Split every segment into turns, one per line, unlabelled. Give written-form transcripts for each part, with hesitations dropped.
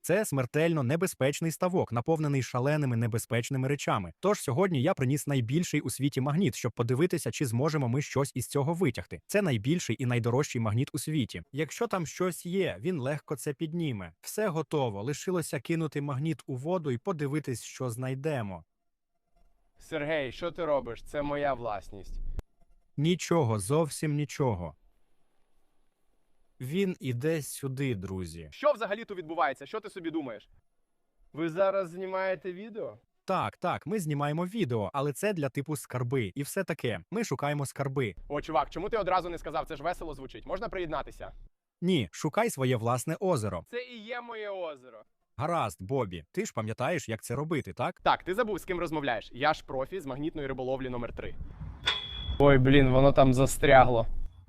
Це смертельно небезпечний ставок, наповнений шаленими небезпечними речами. Тож сьогодні я приніс найбільший у світі магніт, щоб подивитися, чи зможемо ми щось із цього витягти. Це найбільший і найдорожчий магніт у світі. Якщо там щось є, він легко це підніме. Все готово. Лишилося кинути магніт у воду і подивитись, що знайдемо.
Сергій, що ти робиш? Це моя власність.
Нічого, зовсім нічого. Він іде сюди, друзі.
Що взагалі тут відбувається? Що ти собі думаєш? Ви зараз знімаєте відео?
Так, ми знімаємо відео, але це для типу скарби. І все таке. Ми шукаємо скарби.
О, чувак, чому ти одразу не сказав? Це ж весело звучить. Можна приєднатися?
Ні, шукай своє власне озеро.
Це і є моє озеро.
Гаразд, Бобі, ти ж пам'ятаєш, як це робити, так?
Так, ти забув, з ким розмовляєш. Я ж профі з магнітної риболовлі номер 3. Ой, блін, воно там застрягло.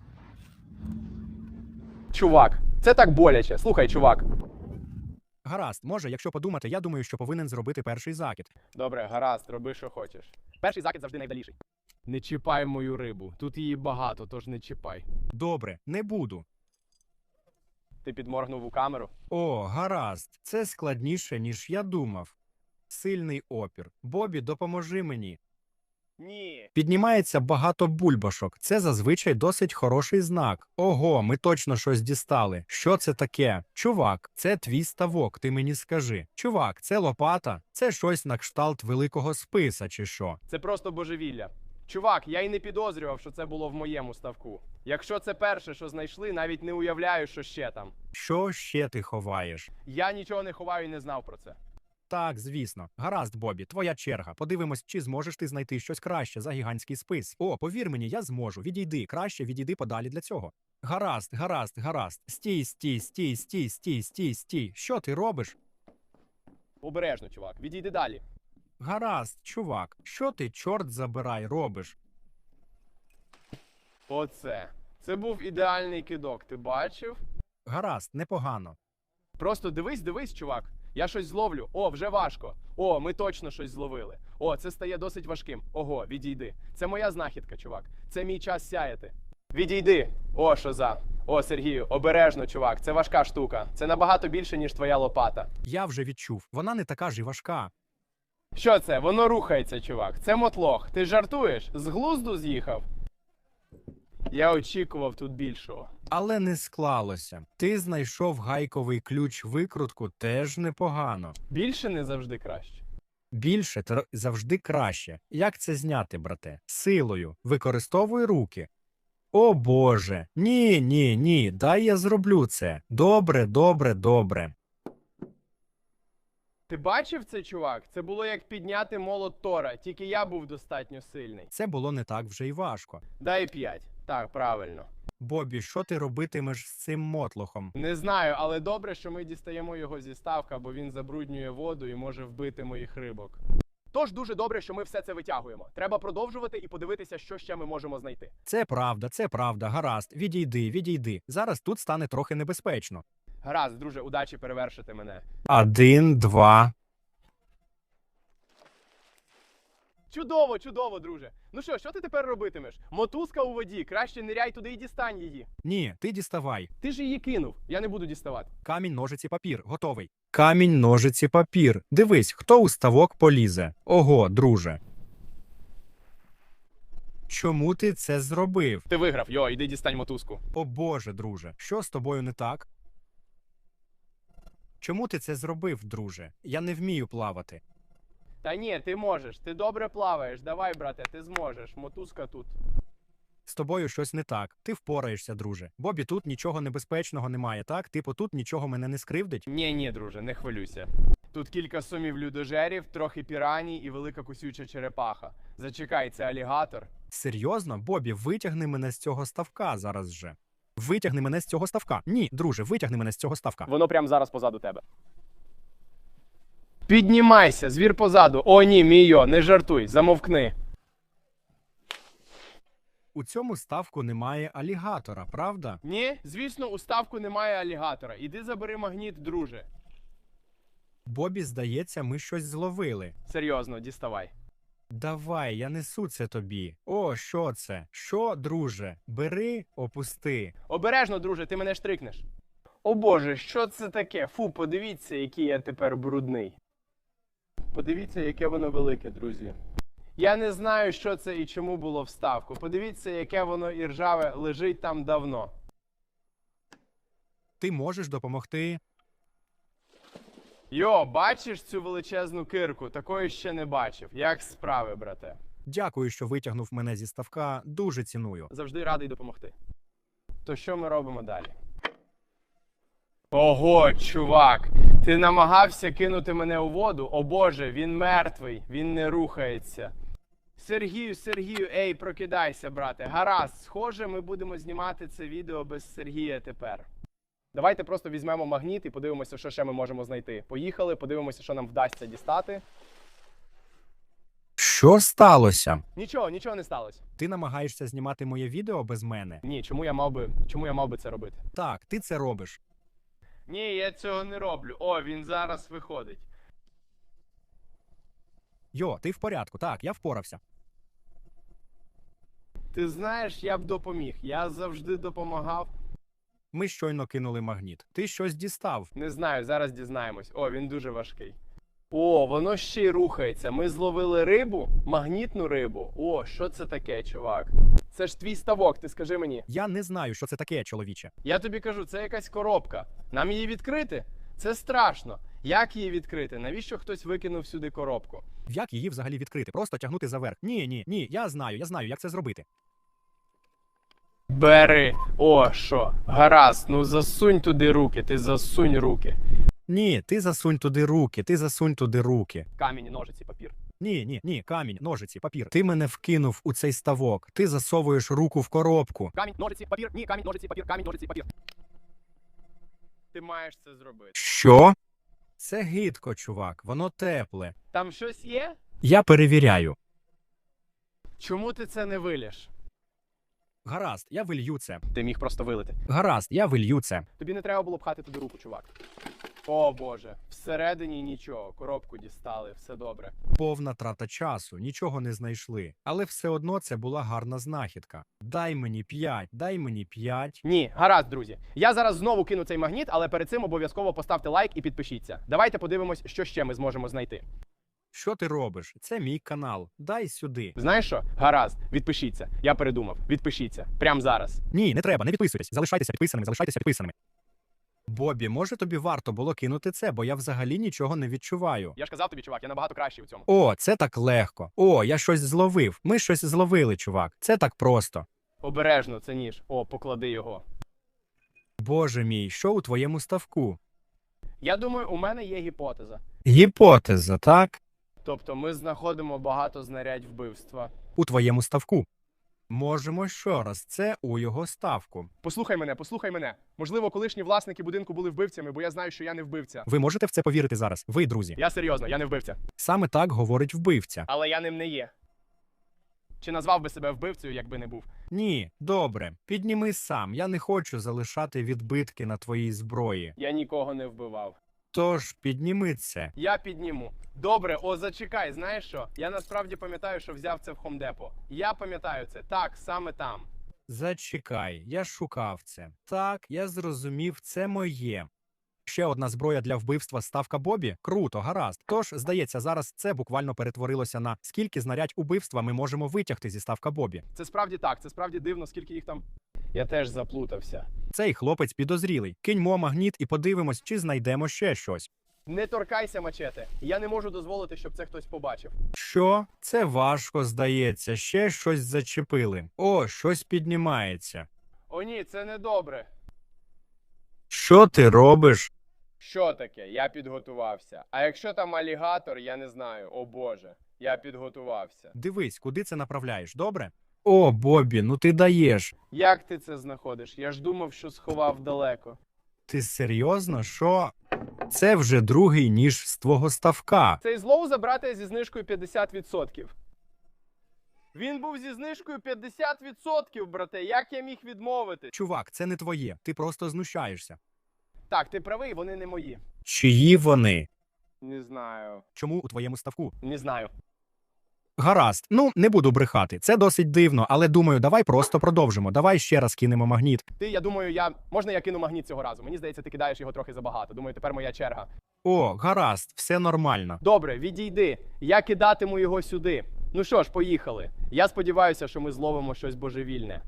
Чувак, це так боляче. Слухай, чувак.
Гаразд, може, якщо подумати, я думаю, що повинен зробити перший закид.
Добре, гаразд, роби, що хочеш. Перший закид завжди найдаліший. Не чіпай мою рибу. Тут її багато, тож не чіпай.
Добре, не буду.
Ти підморгнув у камеру?
О, гаразд, це складніше, ніж я думав. Сильний опір. Бобі, допоможи мені.
Ні.
Піднімається багато бульбашок. Це зазвичай досить хороший знак. Ого, ми точно щось дістали. Що це таке? Чувак, це твій ставок, ти мені скажи. Чувак, це лопата? Це щось на кшталт великого списа чи що?
Це просто божевілля. Чувак, я й не підозрював, що це було в моєму ставку. Якщо це перше, що знайшли, навіть не уявляю, що ще там.
Що ще ти ховаєш?
Я нічого не ховаю і не знав про це.
Так, звісно. Гаразд, Бобі, твоя черга. Подивимось, чи зможеш ти знайти щось краще за гігантський спис. О, повір мені, я зможу. Відійди, краще відійди подалі для цього. Гаразд. Стій. Що ти робиш?
Обережно, чувак, відійди далі.
Гаразд, чувак. Що ти, чорт забирай, робиш?
Оце. Це був ідеальний кидок, ти бачив?
Гаразд, непогано.
Просто дивись, чувак. Я щось зловлю. О, вже важко. О, ми точно щось зловили. О, це стає досить важким. Ого, відійди. Це моя знахідка, чувак. Це мій час сяяти. Відійди. О, що за. О, Сергію, обережно, чувак. Це важка штука. Це набагато більше, ніж твоя лопата.
Я вже відчув. Вона не така ж і важка.
Що це? Воно рухається, чувак. Це мотлох. Ти жартуєш? З глузду з'їхав? Я очікував тут більшого.
Але не склалося. Ти знайшов гайковий ключ-викрутку теж непогано.
Більше не завжди краще.
Більше завжди краще. Як це зняти, брате? Силою. Використовуй руки. О Боже. Ні. Дай я зроблю це. Добре.
Ти бачив це, чувак? Це було як підняти молот Тора, тільки я був достатньо сильний.
Це було не так вже й важко.
Дай 5. Так, правильно.
Бобі, що ти робитимеш з цим мотлохом?
Не знаю, але добре, що ми дістаємо його зі ставка, бо він забруднює воду і може вбити моїх рибок. Тож дуже добре, що ми все це витягуємо. Треба продовжувати і подивитися, що ще ми можемо знайти.
Це правда. Гаразд. Відійди. Зараз тут стане трохи небезпечно.
Гаразд, друже, удачі перевершити мене.
1, 2.
Чудово, друже. Ну що ти тепер робитимеш? Мотузка у воді, краще ниряй туди і дістань її.
Ні, ти діставай.
Ти ж її кинув, я не буду діставати.
Камінь, ножиці, папір. Готовий. Камінь, ножиці, папір. Дивись, хто у ставок полізе. Ого, друже. Чому ти це зробив?
Ти виграв, йди дістань мотузку.
О Боже, друже, що з тобою не так? Чому ти це зробив, друже? Я не вмію плавати.
Та ні, ти можеш, ти добре плаваєш. Давай, брате, ти зможеш. Мотузка тут.
З тобою щось не так. Ти впораєшся, друже. Бобі, тут нічого небезпечного немає, так? Типу, тут нічого мене не скривдить?
Ні, друже, не хвилюйся. Тут кілька сумів людожерів, трохи піраній і велика кусюча черепаха. Зачекай, це алігатор.
Серйозно? Бобі, витягни мене з цього ставка зараз же. Витягни мене з цього ставка. Ні, друже, витягни мене з цього ставка.
Воно прямо зараз позаду тебе. Піднімайся, звір позаду. О, ні, мійо, не жартуй, замовкни.
У цьому ставку немає алігатора, правда?
Ні, звісно, у ставку немає алігатора. Іди забери магніт, друже.
Бобі, здається, ми щось зловили.
Серйозно, діставай.
Давай, я несу це тобі. О, що це? Що, друже? Бери, опусти.
Обережно, друже, ти мене штрикнеш. О боже, що це таке? Фу, подивіться, який я тепер брудний. Подивіться, яке воно велике, друзі. Я не знаю, що це і чому було вставку. Подивіться, яке воно іржаве лежить там давно.
Ти можеш допомогти.
Йо, бачиш цю величезну кирку? Такої ще не бачив. Як справи, брате?
Дякую, що витягнув мене зі ставка. Дуже ціную.
Завжди радий допомогти. То що ми робимо далі? Ого, чувак! Ти намагався кинути мене у воду? О боже, він мертвий, він не рухається. Сергію, ей, прокидайся, брате. Гаразд, схоже, ми будемо знімати це відео без Сергія тепер. Давайте просто візьмемо магніт і подивимося, що ще ми можемо знайти. Поїхали, подивимося, що нам вдасться дістати.
Що сталося?
Нічого не сталося.
Ти намагаєшся знімати моє відео без мене?
Ні, чому я мав би це робити?
Так, ти це робиш.
Ні, я цього не роблю. О, він зараз виходить.
Йо, ти в порядку. Так, я впорався.
Ти знаєш, я б допоміг. Я завжди допомагав.
Ми щойно кинули магніт. Ти щось дістав.
Не знаю, зараз дізнаємось. О, він дуже важкий. О, воно ще й рухається. Ми зловили рибу, магнітну рибу. О, що це таке, чувак? Це ж твій ставок, ти скажи мені.
Я не знаю, що це таке, чоловіче.
Я тобі кажу, це якась коробка. Нам її відкрити? Це страшно. Як її відкрити? Навіщо хтось викинув сюди коробку?
Як її взагалі відкрити? Просто тягнути за верх. Ні, я знаю, як це зробити.
Бери. О, що? Гаразд, ну засунь туди руки, ти засунь руки.
Ні, ти засунь туди руки.
Камінь, ножиці, папір.
Ні, камінь, ножиці, папір. Ти мене вкинув у цей ставок. Ти засовуєш руку в коробку.
Камінь, ножиці, папір. Ні, камінь, ножиці, папір, камінь, ножиці, папір. Ти маєш це зробити.
Що? Це гидко, чувак, воно тепле.
Там щось є?
Я перевіряю.
Чому ти це не вилєш?
Гаразд, я вилью це.
Ти міг просто вилити.
Гаразд, я вилью це.
Тобі не треба було пхати туди руку, чувак. О боже, всередині нічого, коробку дістали, все добре.
Повна трата часу, нічого не знайшли. Але все одно це була гарна знахідка. Дай мені 5.
Ні, гаразд, друзі. Я зараз знову кину цей магніт, але перед цим обов'язково поставте лайк і підпишіться. Давайте подивимось, що ще ми зможемо знайти.
Що ти робиш? Це мій канал. Дай сюди.
Знаєш що? Гаразд, відпишіться. Я передумав. Відпишіться. Прямо зараз.
Ні, не треба, не підписуйтесь. Залишайтеся підписаними. Бобі, може тобі варто було кинути це, бо я взагалі нічого не відчуваю.
Я ж казав тобі, чувак, я набагато кращий у цьому.
О, це так легко. О, я щось зловив. Ми щось зловили, чувак. Це так просто.
Обережно, це ніж. О, поклади його.
Боже мій, що у твоєму ставку?
Я думаю, у мене є гіпотеза.
Гіпотеза, так?
Тобто ми знаходимо багато знарядь вбивства.
У твоєму ставку. Можемо ще раз, це у його ставку.
Послухай мене. Можливо, колишні власники будинку були вбивцями, бо я знаю, що я не вбивця.
Ви можете в це повірити зараз? Ви, друзі.
Я серйозно, я не вбивця.
Саме так говорить вбивця.
Але я ним не є. Чи назвав би себе вбивцею, якби не був?
Ні, добре. Підніми сам. Я не хочу залишати відбитки на твоїй зброї.
Я нікого не вбивав.
Тож, підніми це.
Я підніму. Добре, о, зачекай, знаєш що? Я насправді пам'ятаю, що взяв це в Хомдепо. Я пам'ятаю це. Так, саме там.
Зачекай, я шукав це. Так, я зрозумів, це моє. Ще одна зброя для вбивства ставка Бобі? Круто, гаразд. Тож, здається, зараз це буквально перетворилося на скільки знарядь убивства ми можемо витягти зі ставка Бобі.
Це справді так, це справді дивно, скільки їх там. Я теж заплутався.
Цей хлопець підозрілий. Киньмо магніт і подивимось, чи знайдемо ще щось.
Не торкайся, мачете. Я не можу дозволити, щоб це хтось побачив.
Що? Це важко, здається. Ще щось зачепили. О, щось піднімається.
О ні, це не добре.
Що ти робиш?
Що таке? Я підготувався. А якщо там алігатор, я не знаю. О боже, я підготувався.
Дивись, куди це направляєш, добре? О, Бобі, ну ти даєш.
Як ти це знаходиш? Я ж думав, що сховав далеко.
Ти серйозно? Що? Це вже другий ніж з твого ставка.
Цей злоу забрати зі знижкою 50%. Він був зі знижкою 50%, брате. Як я міг відмовити?
Чувак, це не твоє. Ти просто знущаєшся.
Так, ти правий, вони не мої.
Чиї вони?
Не знаю.
Чому у твоєму ставку?
Не знаю.
Гаразд, ну не буду брехати. Це досить дивно, але думаю, давай просто продовжимо. Давай ще раз кинемо магніт.
Я думаю, можна я кину магніт цього разу? Мені здається, ти кидаєш його трохи забагато. Думаю, тепер моя черга.
О, гаразд, все нормально.
Добре, відійди. Я кидатиму його сюди. Ну що ж, поїхали. Я сподіваюся, що ми зловимо щось божевільне.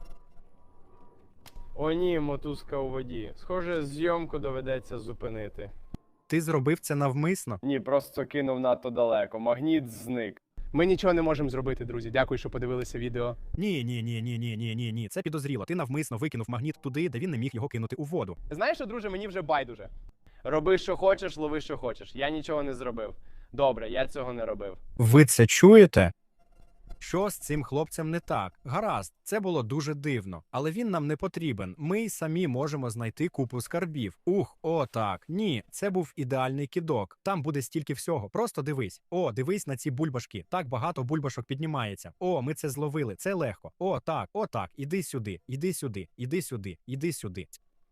О ні, мотузка у воді. Схоже, зйомку доведеться зупинити.
Ти зробив це навмисно?
Ні, просто кинув надто далеко. Магніт зник. Ми нічого не можемо зробити, друзі. Дякую, що подивилися відео.
Ні. Це підозріло. Ти навмисно викинув магніт туди, де він не міг його кинути у воду.
Знаєш що, друже, мені вже байдуже. Роби, що хочеш, лови, що хочеш. Я нічого не зробив. Добре, я цього не робив.
Ви це чуєте? Що з цим хлопцем не так? Гаразд, це було дуже дивно, але він нам не потрібен. Ми й самі можемо знайти купу скарбів. Ух, о так. Ні, це був ідеальний кидок. Там буде стільки всього. Просто дивись. О, дивись на ці бульбашки. Так багато бульбашок піднімається. О, ми це зловили. Це легко. О, так. Іди сюди, іди сюди, іди сюди, іди сюди.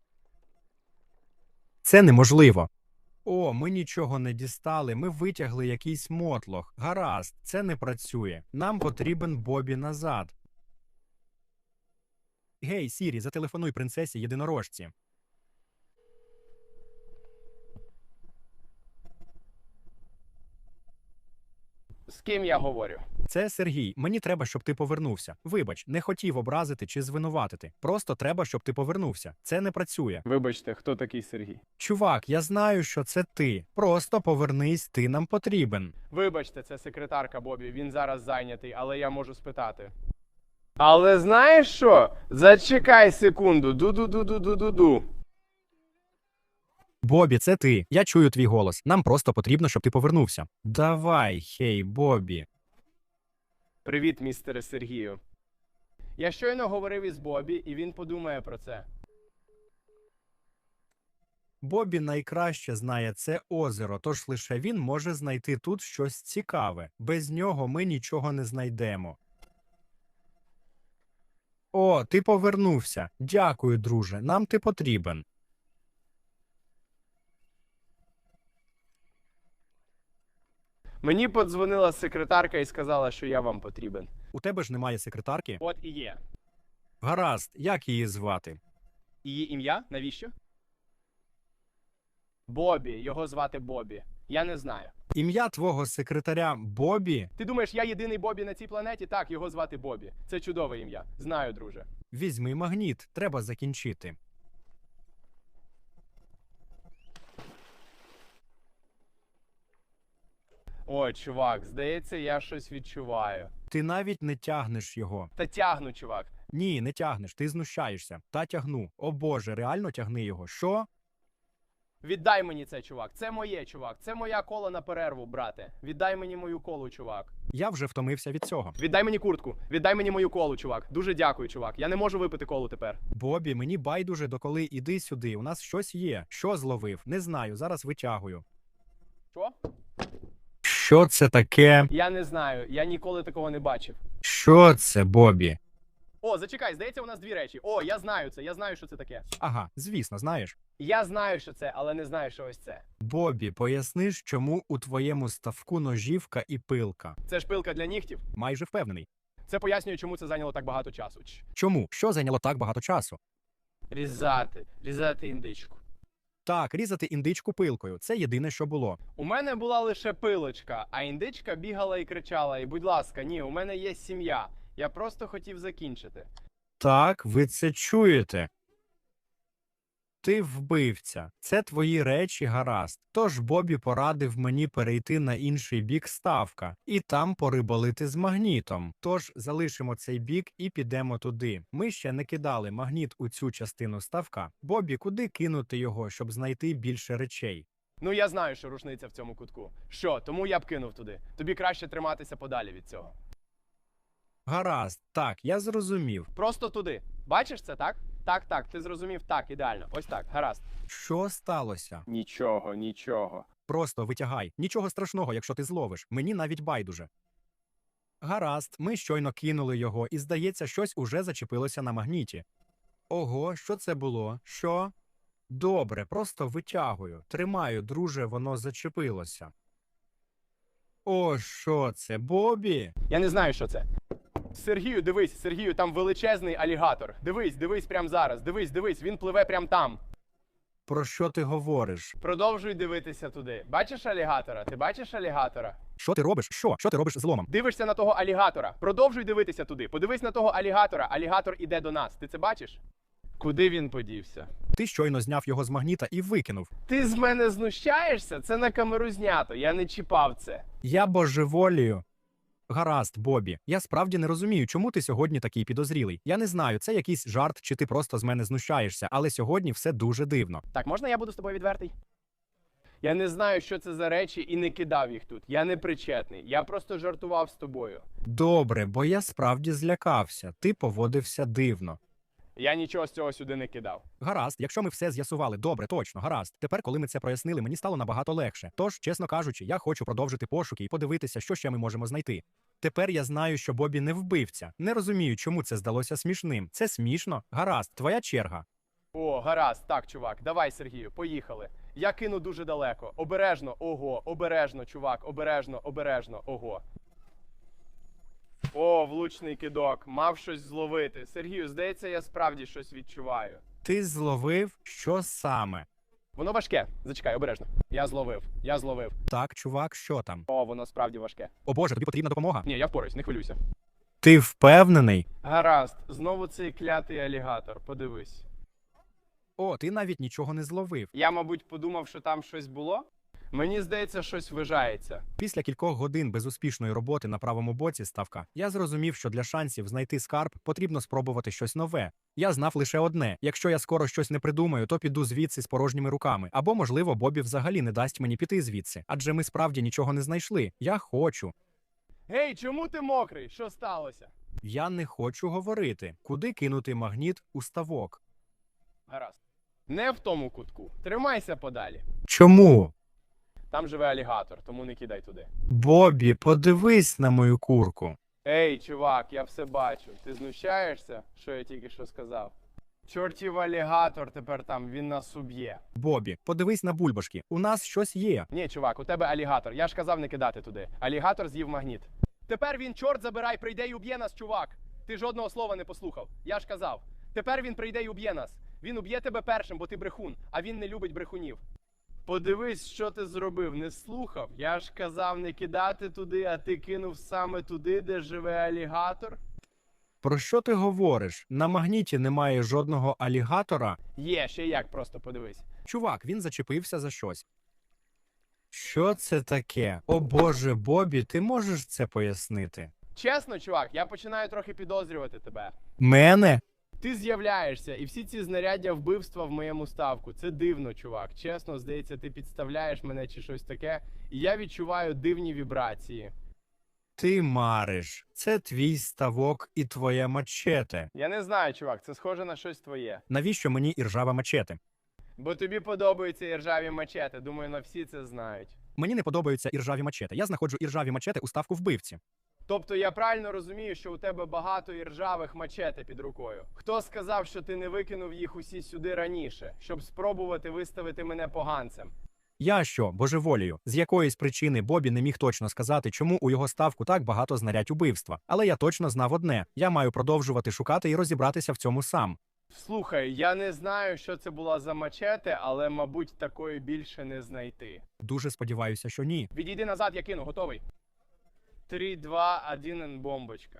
Це неможливо. О, ми нічого не дістали, ми витягли якийсь мотлох. Гаразд, це не працює. Нам потрібен Бобі назад. Гей, Сірі, зателефонуй принцесі єдинорожці.
З ким я говорю?
Це Сергій, мені треба, щоб ти повернувся. Вибач, не хотів образити чи звинуватити. Просто треба, щоб ти повернувся. Це не працює.
Вибачте, хто такий Сергій?
Чувак, я знаю, що це ти. Просто повернись, ти нам потрібен.
Вибачте, це секретарка Бобі, він зараз зайнятий, але я можу спитати. Але знаєш що? Зачекай секунду. Ду-ду-ду-ду-ду-ду-ду.
Бобі, це ти. Я чую твій голос. Нам просто потрібно, щоб ти повернувся. Давай, хей, Бобі.
Привіт, містере Сергію. Я щойно говорив із Бобі, і він подумає про це.
Бобі найкраще знає це озеро, тож лише він може знайти тут щось цікаве. Без нього ми нічого не знайдемо. О, ти повернувся. Дякую, друже. Нам ти потрібен.
Мені подзвонила секретарка і сказала, що я вам потрібен.
У тебе ж немає секретарки?
От і є.
Гаразд, як її звати?
Її ім'я? Навіщо? Бобі. Його звати Бобі. Я не знаю.
Ім'я твого секретаря Бобі?
Ти думаєш, я єдиний Бобі на цій планеті? Так, його звати Бобі. Це чудове ім'я. Знаю, друже.
Візьми магніт, треба закінчити.
Ой, чувак, здається, я щось відчуваю.
Ти навіть не тягнеш його.
Та тягну, чувак.
Ні, не тягнеш, ти знущаєшся. Та тягну. О боже, реально тягни його. Що?
Віддай мені це, чувак. Це моє, чувак. Це моя кола на перерву, брате. Віддай мені мою колу, чувак.
Я вже втомився від цього.
Віддай мені куртку. Віддай мені мою колу, чувак. Дуже дякую, чувак. Я не можу випити колу тепер.
Бобі, мені байдуже доколи іди сюди. У нас щось є. Що зловив? Не знаю, зараз витягую.
Що?
Що це таке?
Я не знаю. Я ніколи такого не бачив.
Що це, Бобі?
О, зачекай, здається, у нас дві речі. О, я знаю це. Я знаю, що це таке.
Ага, звісно, знаєш.
Я знаю, що це, але не знаю, що ось це.
Бобі, поясниш, чому у твоєму ставку ножівка і пилка?
Це ж пилка для нігтів.
Майже впевнений.
Це пояснює, чому це зайняло так багато часу.
Чому? Що зайняло так багато часу?
Різати індичку.
Так, різати індичку пилкою. Це єдине, що було.
У мене була лише пилочка, а індичка бігала і кричала. І, будь ласка, ні, у мене є сім'я. Я просто хотів закінчити.
Так, ви це чуєте. Ти вбивця. Це твої речі, гаразд. Тож Бобі порадив мені перейти на інший бік ставка і там порибалити з магнітом. Тож залишимо цей бік і підемо туди. Ми ще не кидали магніт у цю частину ставка. Бобі, куди кинути його, щоб знайти більше речей?
Ну, я знаю, що рушниця в цьому кутку. Що, тому я б кинув туди. Тобі краще триматися подалі від цього.
Гаразд, так, я зрозумів.
Просто туди. Бачиш це, так? Так, ти зрозумів, так, ідеально. Ось так, гаразд.
Що сталося?
Нічого.
Просто витягай. Нічого страшного, якщо ти зловиш. Мені навіть байдуже. Гаразд, ми щойно кинули його, і, здається, щось уже зачепилося на магніті. Ого, що це було? Що? Добре, просто витягую. Тримаю, друже, воно зачепилося. О, що це, Бобі?
Я не знаю, що це. Сергію, дивись, Сергію, там величезний алігатор. Дивись, дивись прямо зараз. Дивись, дивись, він пливе прямо там.
Про що ти говориш?
Продовжуй дивитися туди. Бачиш алігатора? Ти бачиш алігатора?
Що ти робиш? Що ти робиш з ломом?
Дивишся на того алігатора. Продовжуй дивитися туди. Подивись на того алігатора. Алігатор іде до нас. Ти це бачиш? Куди він подівся?
Ти щойно зняв його з магніта і викинув.
Ти з мене знущаєшся? Це на камеру знято. Я не чіпав це.
Я божеволію. Гаразд, Бобі. Я справді не розумію, чому ти сьогодні такий підозрілий. Я не знаю, це якийсь жарт, чи ти просто з мене знущаєшся, але сьогодні все дуже дивно.
Так, можна я буду з тобою відвертий? Я не знаю, що це за речі, і не кидав їх тут. Я не причетний. Я просто жартував з тобою.
Добре, бо я справді злякався. Ти поводився дивно.
Я нічого з цього сюди не кидав.
Гаразд, якщо ми все з'ясували, добре, точно, гаразд. Тепер, коли ми це прояснили, мені стало набагато легше. Тож, чесно кажучи, я хочу продовжити пошуки і подивитися, що ще ми можемо знайти. Тепер я знаю, що Бобі не вбивця. Не розумію, чому це здалося смішним. Це смішно? Гаразд, твоя черга.
О, гаразд, так, чувак. Давай, Сергію, поїхали. Я кину дуже далеко. Обережно, ого, обережно, чувак, обережно, обережно, ого. О, влучний кидок. Мав щось зловити. Сергію, здається, я справді щось відчуваю.
Ти зловив? Що саме?
Воно важке. Зачекай, обережно. Я зловив. Я зловив.
Так, чувак, що там?
О, воно справді важке.
О боже, тобі потрібна допомога?
Ні, я впораюсь, не хвилюйся.
Ти впевнений?
Гаразд, знову цей клятий алігатор. Подивись.
О, ти навіть нічого не зловив.
Я, мабуть, подумав, що там щось було. Мені здається, щось ввижається.
Після кількох годин безуспішної роботи на правому боці ставка, я зрозумів, що для шансів знайти скарб потрібно спробувати щось нове. Я знав лише одне: якщо я скоро щось не придумаю, то піду звідси з порожніми руками. Або, можливо, Бобі взагалі не дасть мені піти звідси. Адже ми справді нічого не знайшли. Я хочу.
Гей, чому ти мокрий? Що сталося?
Я не хочу говорити. Куди кинути магніт у ставок?
Гаразд. Не в тому кутку. Тримайся подалі.
Чому?
Там живе алігатор, тому не кидай туди.
Бобі, подивись на мою курку.
Ей, чувак, я все бачу. Ти знущаєшся, що я тільки що сказав? Чортів алігатор тепер там, він нас уб'є.
Бобі, подивись на бульбашки. У нас щось є.
Ні, чувак, у тебе алігатор. Я ж казав не кидати туди. Алігатор з'їв магніт. Тепер він, чорт забирай, прийде і уб'є нас, чувак. Ти жодного слова не послухав. Я ж казав. Тепер він прийде і уб'є нас. Він уб'є тебе першим, бо ти брехун, а він не любить брехунів. Подивись, що ти зробив, не слухав. Я ж казав не кидати туди, а ти кинув саме туди, де живе алігатор.
Про що ти говориш? На магніті немає жодного алігатора.
Є, ще як, просто подивись.
Чувак, він зачепився за щось. Що це таке? О боже, Бобі, ти можеш це пояснити?
Чесно, чувак, я починаю трохи підозрювати тебе.
Мене?
Ти з'являєшся, і всі ці знаряддя вбивства в моєму ставку. Це дивно, чувак. Чесно, здається, ти підставляєш мене чи щось таке, і я відчуваю дивні вібрації.
Ти мариш. Це твій ставок і твоє мачете.
Я не знаю, чувак, це схоже на щось твоє.
Навіщо мені іржава мачете?
Бо тобі подобаються іржаві мачети. Думаю, на всі це знають.
Мені не подобаються іржаві мачете. Я знаходжу іржаві мачете у ставку вбивці.
Тобто я правильно розумію, що у тебе багато іржавих мачете під рукою. Хто сказав, що ти не викинув їх усі сюди раніше, щоб спробувати виставити мене поганцем?
Я що, божеволію? З якоїсь причини Бобі не міг точно сказати, чому у його ставку так багато знарядь убивства. Але я точно знав одне: я маю продовжувати шукати і розібратися в цьому сам.
Слухай, я не знаю, що це була за мачете, але, мабуть, такої більше не знайти.
Дуже сподіваюся, що ні.
Відійди назад, я кину, готовий. 3, 2, 1, бомбочка.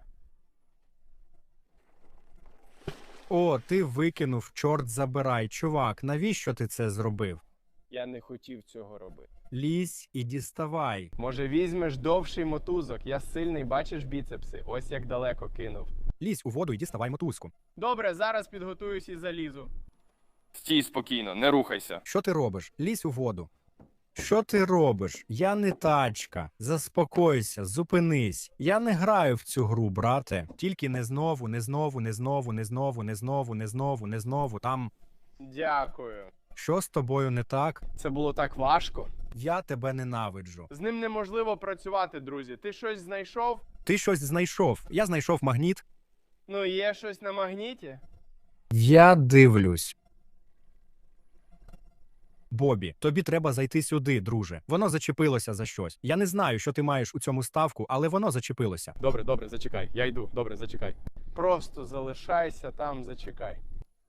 О, ти викинув, чорт забирай. Чувак, навіщо ти це зробив?
Я не хотів цього робити.
Лізь і діставай.
Може, візьмеш довший мотузок? Я сильний, бачиш біцепси? Ось як далеко кинув.
Лізь у воду і діставай мотузку.
Добре, зараз підготуюсь і залізу. Стій спокійно, не рухайся.
Що ти робиш? Лізь у воду. Що ти робиш? Я не тачка. Заспокойся, зупинись. Я не граю в цю гру, брате. Тільки не знову, не знову, не знову, не знову, не знову, не знову, не знову. Там.
Дякую.
Що з тобою не так?
Це було так важко.
Я тебе ненавиджу.
З ним неможливо працювати, друзі. Ти щось знайшов?
Ти щось знайшов. Я знайшов магніт.
Ну, є щось на магніті?
Я дивлюсь. Бобі, тобі треба зайти сюди, друже. Воно зачепилося за щось. Я не знаю, що ти маєш у цьому ставку, але воно зачепилося.
Добре, добре, зачекай. Я йду. Добре, зачекай. Просто залишайся там, зачекай.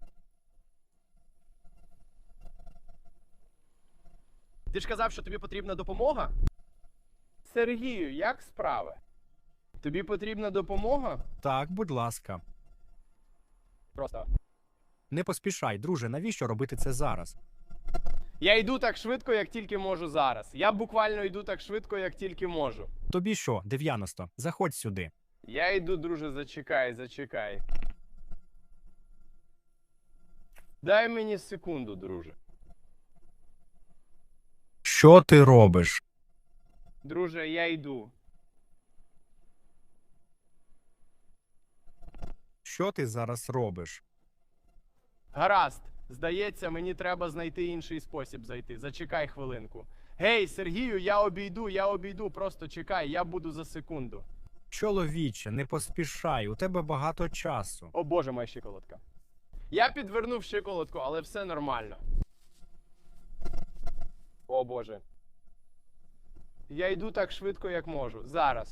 Ти ж казав, що тобі потрібна допомога? Сергію, як справи? Тобі потрібна допомога?
Так, будь ласка.
Просто.
Не поспішай, друже, навіщо робити це зараз?
Я йду так швидко, як тільки можу зараз. Я буквально йду так швидко, як тільки можу.
Тобі що, 90? Заходь сюди.
Я йду, друже, зачекай, зачекай. Дай мені секунду, друже.
Що ти робиш?
Друже, я йду.
Що ти зараз робиш?
Гаразд. Здається, мені треба знайти інший спосіб зайти. Зачекай хвилинку. Гей, Сергію, я обійду. Просто чекай, я буду за секунду.
Чоловіче, не поспішай, у тебе багато часу.
О боже, моя щиколотка. Я підвернув щиколотку, але все нормально. О боже. Я йду так швидко, як можу. Зараз.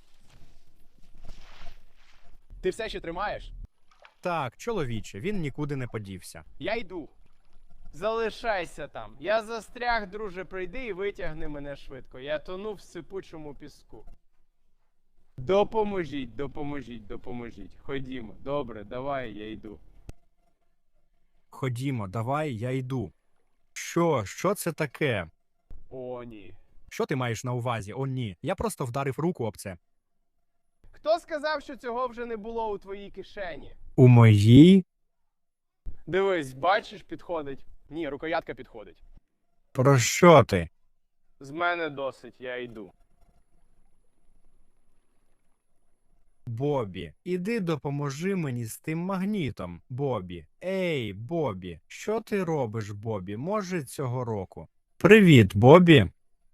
Ти все ще тримаєш?
Так, чоловіче, він нікуди не подівся.
Я йду. Залишайся там. Я застряг, друже, прийди і витягни мене швидко. Я тону в сипучому піску. Допоможіть, допоможіть, допоможіть. Ходімо. Добре, давай, я йду.
Ходімо, давай, я йду. Що це таке?
О, ні.
Що ти маєш на увазі? О, ні. Я просто вдарив руку об це.
Хто сказав, що цього вже не було у твоїй кишені?
У моїй?
Дивись, бачиш, підходить. Ні, рукоятка підходить.
Про що ти?
З мене досить, я йду.
Бобі, іди допоможи мені з тим магнітом, Бобі. Ей, Бобі, що ти робиш, Бобі? Може, цього року? Привіт, Бобі.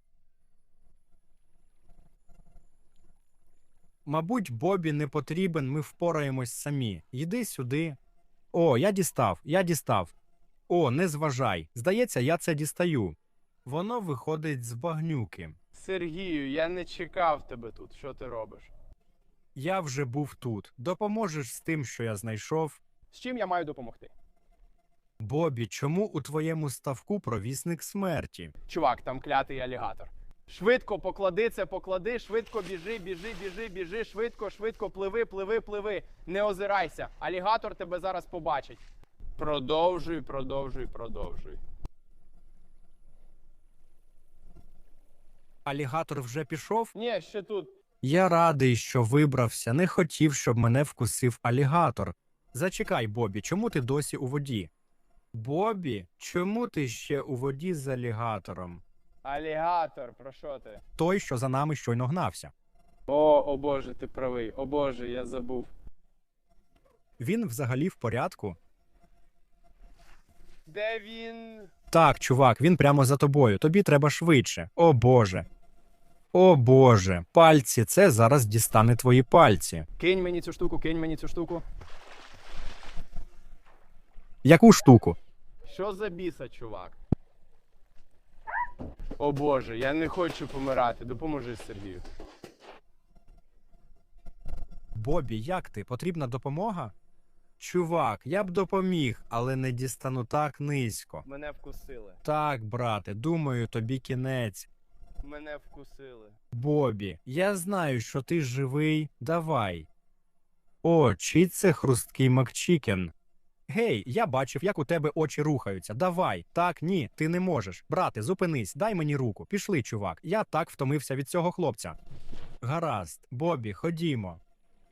Мабуть, Бобі не потрібен, ми впораємось самі. Йди сюди. О, я дістав. О, не зважай. Здається, я це дістаю. Воно виходить з багнюки.
Сергію, я не чекав тебе тут. Що ти робиш?
Я вже був тут. Допоможеш з тим, що я знайшов?
З чим я маю допомогти?
Бобі, чому у твоєму ставку провісник смерті?
Чувак, там клятий алігатор. Швидко поклади це, поклади, швидко біжи, швидко, пливи. Не озирайся. Алігатор тебе зараз побачить. Продовжуй.
Алігатор вже пішов?
Ні, ще тут.
Я радий, що вибрався. Не хотів, щоб мене вкусив алігатор. Зачекай, Бобі, чому ти досі у воді? Бобі, чому ти ще у воді з алігатором?
Алігатор, про що ти?
Той, що за нами щойно гнався.
О боже, ти правий. О боже, я забув.
Він взагалі в порядку?
Де він?
Так, чувак, він прямо за тобою. Тобі треба швидше. О боже. О боже. Пальці, це зараз дістане твої пальці.
Кинь мені цю штуку.
Яку штуку?
Що за біса, чувак? О боже, я не хочу помирати. Допоможи, Сергію.
Бобі, як ти? Потрібна допомога? Чувак, я б допоміг, але не дістану так низько.
Мене вкусили.
Так, брате, думаю, тобі кінець.
Мене вкусили.
Бобі, я знаю, що ти живий. Давай. О, чий це хрусткий Макчікен? Гей, я бачив, як у тебе очі рухаються. Давай. Так, ні, ти не можеш. Брате, зупинись, дай мені руку. Пішли, чувак. Я так втомився від цього хлопця. Гаразд. Бобі, ходімо.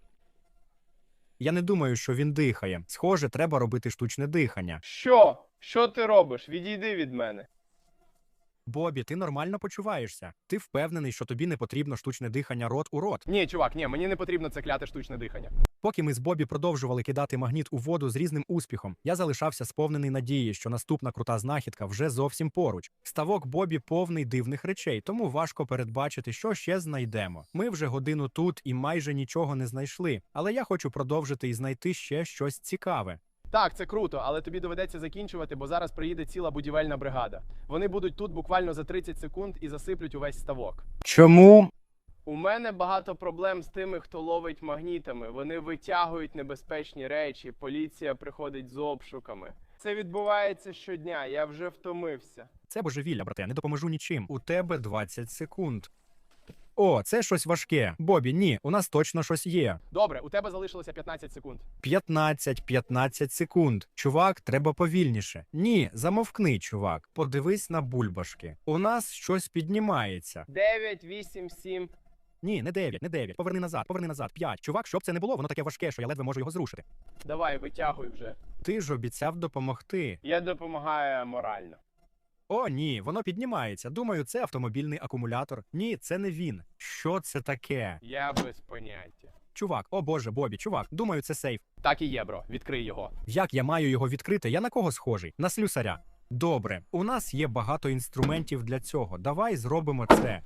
Я не думаю, що він дихає. Схоже, треба робити штучне дихання.
Що? Що ти робиш? Відійди від мене.
Бобі, ти нормально почуваєшся? Ти впевнений, що тобі не потрібно штучне дихання рот у рот?
Ні, чувак, ні, мені не потрібно це кляте штучне дихання.
Поки ми з Бобі продовжували кидати магніт у воду з різним успіхом, я залишався сповнений надії, що наступна крута знахідка вже зовсім поруч. Ставок Бобі повний дивних речей, тому важко передбачити, що ще знайдемо. Ми вже годину тут і майже нічого не знайшли, але я хочу продовжити і знайти ще щось цікаве.
Так, це круто, але тобі доведеться закінчувати, бо зараз приїде ціла будівельна бригада. Вони будуть тут буквально за 30 секунд і засиплють увесь ставок.
Чому?
У мене багато проблем з тими, хто ловить магнітами. Вони витягують небезпечні речі, поліція приходить з обшуками. Це відбувається щодня, я вже втомився.
Це божевілля, брате, не допоможу нічим. У тебе 20 секунд. О, це щось важке. Бобі, ні, у нас точно щось є.
Добре, у тебе залишилося 15 секунд.
15 секунд. Чувак, треба повільніше. Ні, замовкни, чувак. Подивись на бульбашки. У нас щось піднімається.
9, 8, 7.
Ні, не 9. Поверни назад. 5. Чувак, щоб це не було, воно таке важке, що я ледве можу його зрушити.
Давай, витягуй вже.
Ти ж обіцяв допомогти.
Я допомагаю морально.
О, ні, воно піднімається. Думаю, це автомобільний акумулятор. Ні, це не він. Що це таке?
Я без поняття.
Чувак, о боже, Бобі, чувак, думаю, це сейф.
Так і є, бро. Відкрий його.
Як я маю його відкрити? Я на кого схожий? На слюсаря. Добре, у нас є багато інструментів для цього. Давай зробимо це.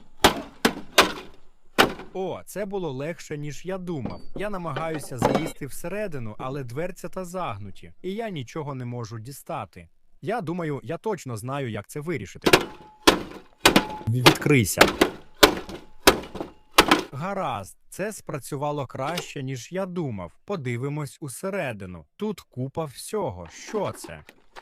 О, це було легше, ніж я думав. Я намагаюся залізти всередину, але дверцята загнуті, і я нічого не можу дістати. Я думаю, я точно знаю, як це вирішити. Відкрийся. Гаразд, це спрацювало краще, ніж я думав. Подивимось усередину. Тут купа всього. Що це?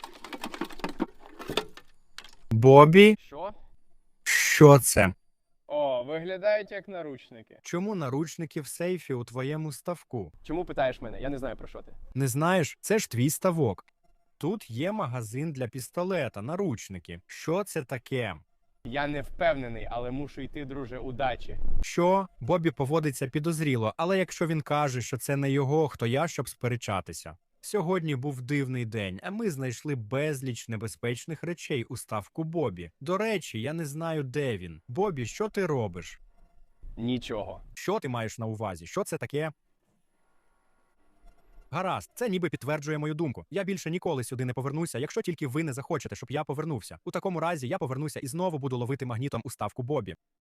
Бобі?
Що?
Що це?
О, виглядають як наручники.
Чому наручники в сейфі у твоєму ставку?
Чому питаєш мене? Я не знаю про що ти.
Не знаєш, це ж твій ставок. Тут є магазин для пістолета, наручники. Що це таке?
Я не впевнений, але мушу йти, друже, удачі.
Що? Бобі поводиться підозріло, але якщо він каже, що це не його, хто я, щоб сперечатися. Сьогодні був дивний день, а ми знайшли безліч небезпечних речей у ставку Бобі. До речі, я не знаю, де він. Бобі, що ти робиш?
Нічого.
Що ти маєш на увазі? Що це таке? Гаразд, це ніби підтверджує мою думку. Я більше ніколи сюди не повернуся, якщо тільки ви не захочете, щоб я повернувся. У такому разі я повернуся і знову буду ловити магнітом у ставку Бобі.